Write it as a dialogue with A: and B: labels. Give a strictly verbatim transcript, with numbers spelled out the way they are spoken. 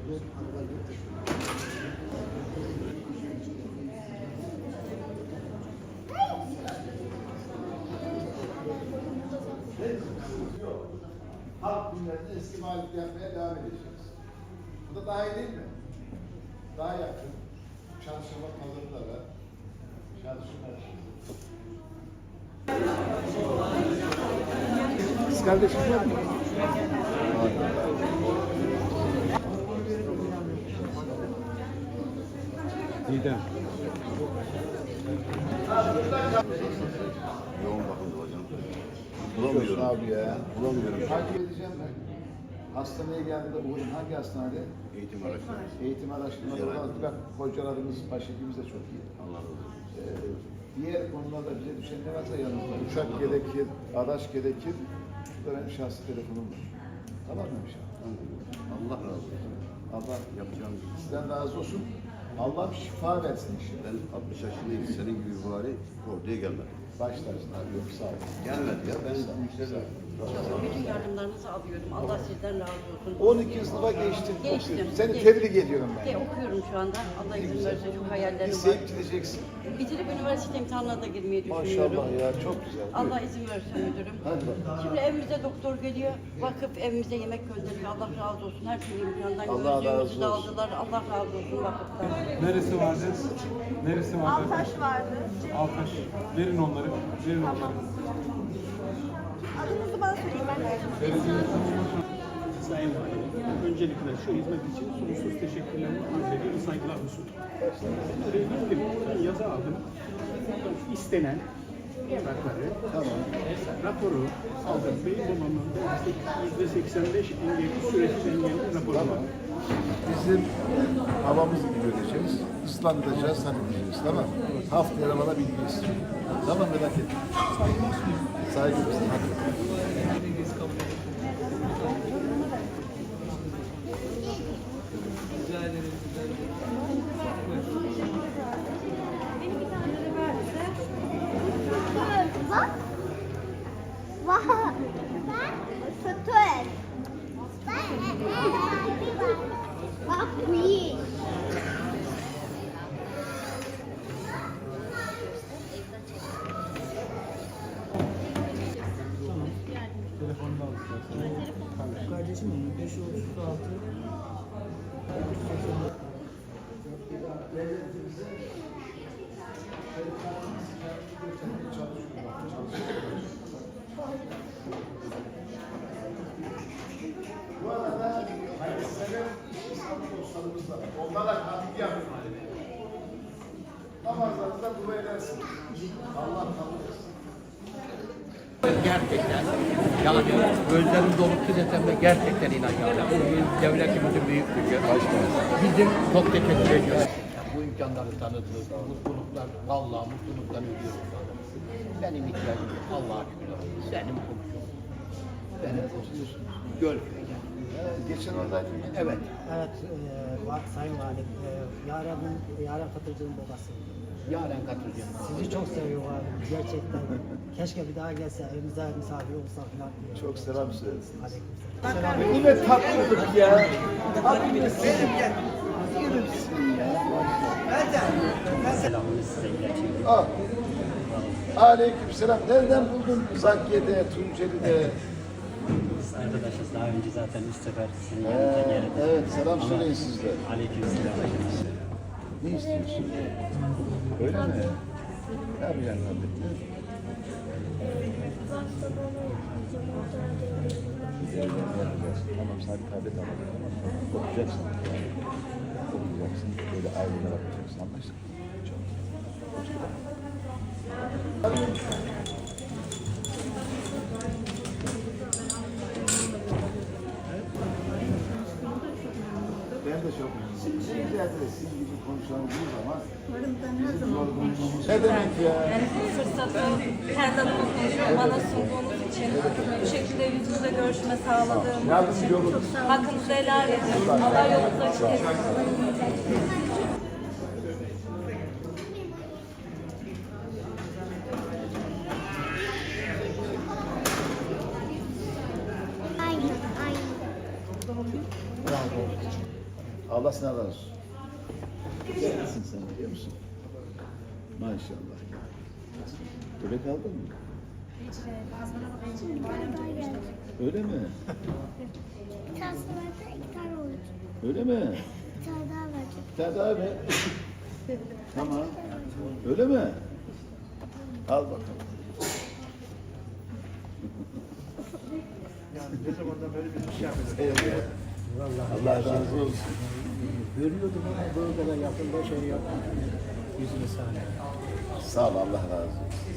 A: Halk günlerinde eski mağlup yapmaya devam edeceğiz. Bu da daha iyi değil mi? Daha yakın. Çalışma pazarında da çalışma. Kız kardeşim var mı?
B: Didem.
C: Yoğun bakımda hocam.
A: Bulamıyorum abi ya.
C: Bulamıyorum.
A: Takip edeceğim ben. Hastaneye geldiğinde bugün hangi hastanede?
C: Eğitim araştırması.
A: Eğitim araştırması olan bak hocalarımız, başhekimiz de çok iyi.
C: Allah razı olsun.
A: Ee, diğer konularda bize düşen ne varsa yanımızda. Uçak gerekir, araç gerekir. Bu da benim şahsi telefonum var. Tamam mı inşallah?
C: Allah razı olsun.
A: Allah
C: Yapacağım.
A: sizden razı olsun. Allah şifa versin inşallah.
C: Ben altmış yaşındayım. Senin gibi bari orduya gelmedim.
A: Başlarsın abi, yok sağ ol.
C: Gelmedi ya. Ben yükseldim.
D: Bütün yardımlarınızı alıyorum. Allah sizden razı olsun.
A: on iki sınıfa geçtin.
D: Geçtim.
A: Seni
D: Geçtim.
A: tebrik ediyorum ben.
D: De, okuyorum şu anda. Allah izin verirse çok hayallerim var.
A: Liseye gideceksin.
D: Bitirip üniversite imtihanına da girmeyi düşünüyorum.
A: Maşallah ya, çok güzel.
D: Allah izin verirse müdürüm.
A: Hadi bakalım.
D: Şimdi evimize doktor geliyor. Vakıf evimize yemek gönderiyor. Allah razı olsun. Her türlü imkandan
A: Allah razı
D: gözlüğümüzü de
A: olsun.
D: aldılar. Allah razı olsun vakıftan.
B: Neresi vardı? Neresi vardı?
E: Altaş vardı.
B: Altaş. Verin onları. Verin onları.
E: Adınızı bana söyleyin ben de.
F: Sayın Valim, öncelikle şu hizmet için sonsuz teşekkürlerimi arz ediyorum, saygılarımı sunuyorum. Oraya gittim, ben yazı aldım. İstenen evrakları,
A: Tamam.
F: raporu aldım. Beyin babamın yüzde seksen beş engelli, süresiz engelli raporu var.
A: Bizim havamızı bir göreceğiz. Islandıracağız, halledeceğiz. Tamam mı? Haftaya bana bilgi istiyorum. Tamam, merak etme. Saygımız. Hadi.
E: Bak. Vah. Sütür. Bak bu iyi.
G: Kardeşim beş yüz otuz altı
A: Bu arada hayırsever İslam dostlarımız var. Onlara katkı yapın. Namazlarınızda dua edersiniz. Allah kabul etsin.
H: Gerçekten yani gözlerim dolup desem de gerçekten inanıyorum. Bu devletimizin büyük gücü. Bizim çok teşekkür ediyoruz. Bu imkanları tanıdınız, mutluluklar, vallahi mutluluktan ölüyoruz. Benim ihtiyacım yok. Allah'a şükür. Senin komşun. Benim komşum. Gölköy'de.
A: Geçen oradaydım.
H: Evet.
G: Evet, e, va- Sayın Valim, e, Yaren'in, Yaren Katırcı'nın babası.
H: Yaren katılacağım.
G: Sizi çok seviyor abi, gerçekten. Keşke bir daha gelse, evimize misafir olsa falan diye.
A: Çok selam söylesin.
G: Aleykümselam.
A: Bu ne tatlılık ya. Benim gel. Yürüsün ya. Al. Aleykümselam. Nereden buldun Zakye'de, Tunceli'de?
I: Biz arkadaşız. Daha önce zaten üç sefer sizin
A: Ee,
I: yanınıza geldik.
A: evet, selam söyleyin siz de.
I: Aleykümselam.
A: Ne istiyorsun? Öyle mi? Ne yapacaksın kardeşim? Tamam, sen tablet alacaksın. Okuyacaksın. Okuyacaksın. Böyle ailene bakacaksın. Anlaştık mı? Çok. Ben de çok memnunum. Sizlerde de sizin gibi konuşanımız ama bizim yorgunluğumuz... Ne demek ya?
J: Yani bu fırsatı kendi adıma konuşuyorum. Bana sunduğunuz için bu şekilde yüz yüze görüşme sağladığım
A: Yardımcı
J: için
A: olun.
J: hakkınızı helal edin. Allah yolunuzu açık etsin.
E: Aynen, aynen.
A: Allah sana razı olsun. Güzelsin sen biliyor musun? Maşallah. Bebek aldın mı? Öyle mi?
E: Bir tane varsa iki tane olacak.
A: Öyle mi?
E: Bir tane daha verecek.
A: Bir tane daha ver. Tamam. Öyle mi? Al bakalım.
F: Yani ne zamandan beri bir şey yapıyoruz.
A: Eyvallah. Allah razı olsun.
G: Görüyordum ama böyle yakında şey yapmadım. Yüzünü sahne.
A: Sağ ol, Allah razı olsun.